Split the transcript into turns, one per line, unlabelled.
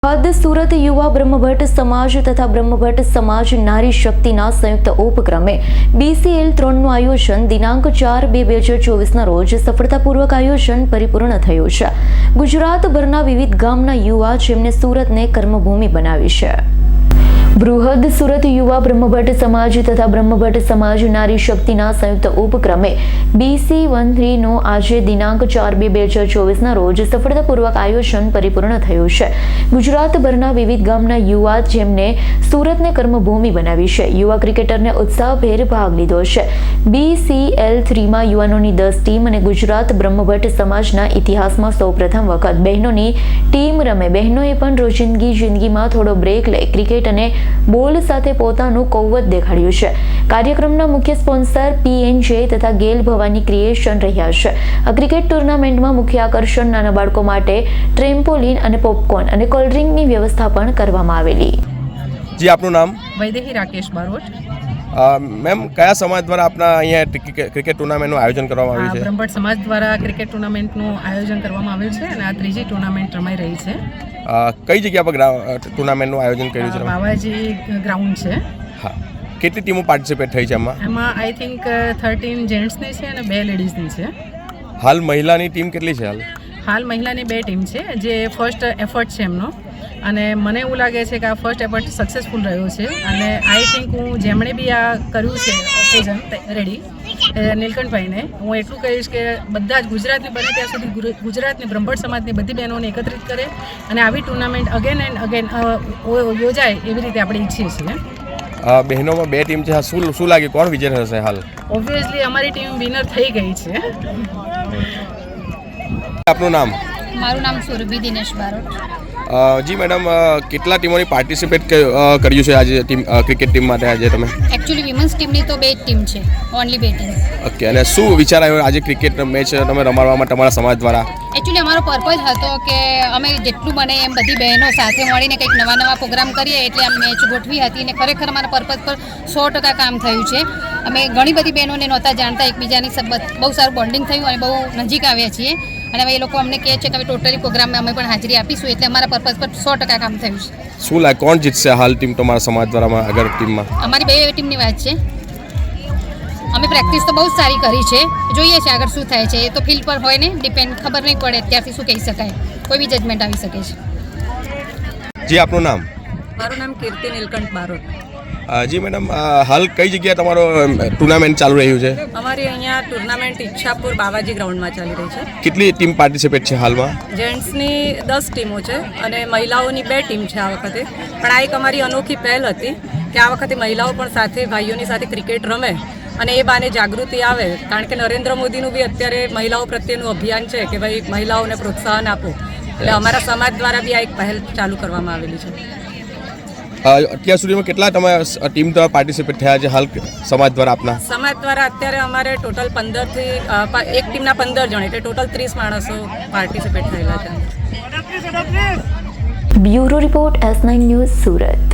હદ સુરત યુવા બ્રહ્મભટ્ટ સમાજ તથા બ્રહ્મભટ્ટ સમાજ નારી શક્તિના સંયુક્ત ઉપક્રમે BCL 3નું આયોજન દિનાંક 4/2/2024ના રોજ સફળતાપૂર્વક આયોજન પરિપૂર્ણ થયું છે। ગુજરાતભરના વિવિધ ગામના યુવા જેમને સુરતને કર્મભૂમિ બનાવી છે। બૃહદ સુરત યુવા બ્રહ્મભટ્ટ સમાજ તથા બ્રહ્મભટ્ટ સમાજ નારી શક્તિના સંયુક્ત ઉપક્રમે BC13નું આજે દિનાંક 4/2/2024ના રોજ સફળતાપૂર્વક આયોજન પરિપૂર્ણ થયું છે। ગુજરાતભરના વિવિધ ગામના યુવા જેમને સુરતને કર્મભૂમિ બનાવી છે। યુવા ક્રિકેટરને ઉત્સાહભેર ભાગ લીધો છે। BCL 3માં યુવાનોની 10 ટીમ અને ગુજરાત બ્રહ્મભટ્ટ સમાજના ઇતિહાસમાં સૌપ્રથમ વખત બહેનોની ટીમ રમે। બહેનોએ પણ રોજિંદી જિંદગીમાં થોડો બ્રેક લઈ ક્રિકેટ અને બોલ સાથે પોતાનું કૌવત દેખાડ્યું છે। કાર્યક્રમના મુખ્ય સ્પોન્સર PNJ તથા ગેલ ભવાની ક્રિએશન રહ્યા છે। આ ક્રિકેટ ટુર્નામેન્ટમાં મુખ્ય આકર્ષણ નાના બાળકો માટે ટ્રેમ્પોલિન અને પોપકોર્ન અને કોલ્ડ ડ્રિંકની વ્યવસ્થા પણ કરવામાં આવેલી।
जी आपનું નામ?
વૈદેહી રાકેશ બારોટ।
મેમ કયા સમાજ દ્વારા આપના અહીંયા ક્રિકેટ ટુર્નામેન્ટનું આયોજન કરવામાં આવ્યું છે?
બ્રહ્મભટ્ટ સમાજ દ્વારા ક્રિકેટ ટુર્નામેન્ટનું આયોજન કરવામાં આવ્યું છે અને આ ત્રીજી ટુર્નામેન્ટ રમાઈ રહી છે।
કઈ જગ્યા પર ટુર્નામેન્ટનું આયોજન કર્યું છે?
બાવાજી ગ્રાઉન્ડ છે।
હા, કેટલી ટીમો પાર્ટિસિપેટ થઈ છે એમાં
આઈ થિંક 13 જેન્ટ્સની છે અને 2 લેડીઝની છે।
હાલ મહિલાની ટીમ કેટલી છે?
હાલ મહિલાની 2 ટીમ છે જે ફર્સ્ટ એફર્ટ છે એમનો, અને મને એવું લાગે છે કે આ ફર્સ્ટ એફર્ટ સક્સેસફુલ રહ્યો છે। અને આઈ થિંક હું જેમણે બી આ કર્યું છે ઓકેઝન રેડી નીલકંઠભાઈને હું એટલું કહીશ કે બધા જ ગુજરાતની બને ત્યાં સુધી ગુજરાતની બ્રહ્મભટ્ટ સમાજની બધી બહેનોને એકત્રિત કરે અને આવી ટુર્નામેન્ટ અગેન એન્ડ અગેન યોજાય એવી રીતે આપણે ઈચ્છીએ છીએ।
બહેનોમાં 2 ટીમ છે, શું લાગે કોણ વિજય થશે? હાલ
ઓબ્વિયસલી અમારી ટીમ વિનર થઈ ગઈ છે।
આપનું નામ?
મારું નામ સુરભી દિનેશ બારોટ।
જી મેડમ, કેટલા ટીમોની પાર્ટિસિપેટ કર્યું છે આજે ક્રિકેટ ટીમ માટે? આજે તમે
એકચ્યુઅલી વિમન્સ ટીમની તો 2 ટીમ છે, ઓનલી 2 ટીમ।
ઓકે, અને શું વિચાર આવ્યો આજે ક્રિકેટ મેચ તમે રમાડવા માટે તમારા સમાજ દ્વારા?
એકચ્યુઅલી અમારો પર્પઝ હતો કે અમે જેટલું બને એમ બધી બહેનો સાથે મળીને કંઈક નવા પ્રોગ્રામ કરીએ, એટલે આ મેચ ગોઠવી હતી અને ખરેખર અમારા પર્પઝ પર 100% કામ થયું છે। અમે ઘણી બધી બહેનોને નહોતા જાણતા, એકબીજાની બહુ સારું બોન્ડિંગ થયું અને બહુ નજીક આવ્યા છીએ, અને હવે એ લોકો અમને કહે છે કે હવે ટોટલી પ્રોગ્રામમાં અમે પણ હાજરી આપીશું, એટલે અમારા પર્પઝ પર 100% કામ થયું છે।
શું લાગે કોણ જીતશે હાલ ટીમ તમારા સમાજ દ્વારા આગળ ટીમમાં?
અમારી 2 ટીમની વાત છે। અમે પ્રેક્ટિસ તો બહુ જ સારી કરી છે, જોઈએ છે આગળ શું થાય છે, એ તો ફિલ્ડ પર હોય ને ડિપેન્ડ, ખબર નહીં પડે અત્યારથી શું કહી શકાય, કોઈ બી જજમેન્ટ આવી શકે છે।
જી આપનું નામ?
મારું નામ કીર્તિ નીલકંઠ બારોટ।
જી મેડમ, હાલ કઈ જગ્યાએ તમારો ટુર્નામેન્ટ ચાલુ રહ્યું છે?
અમારી અહીંયા ટુર્નામેન્ટ ઈચ્છાપુર બાવાજી ગ્રાઉન્ડમાં ચાલી રહી છે।
કેટલી ટીમ પાર્ટિસિપેટ છે હાલમાં?
જેન્ટ્સની 10 ટીમો છે અને મહિલાઓની 2 ટીમ છે આ વખતે, પણ આ એક અમારી અનોખી પહેલ હતી કે આ વખતે મહિલાઓ પણ સાથે ભાઈઓની સાથે ક્રિકેટ રમે અને એ બાને જાગૃતિ આવે, કારણ કે નરેન્દ્ર મોદીનું બી અત્યારે મહિલાઓ પ્રત્યેનું અભિયાન છે કે ભાઈ મહિલાઓને પ્રોત્સાહન આપો, એટલે અમારા સમાજ દ્વારા બી આ એક પહેલ ચાલુ કરવામાં આવેલી છે।
અત્યાર સુધીમાં કેટલા તમે ટીમ દ્વારા પાર્ટિસિપેટ થયા છે હાલ સમાજ દ્વારા? આપના
સમાજ દ્વારા અત્યારે અમારે ટોટલ 15 થી એક ટીમના 15 જણ, એટલે ટોટલ 30 માણસો પાર્ટિસિપેટ થયેલા છે।
Bureau report S9 news Surat.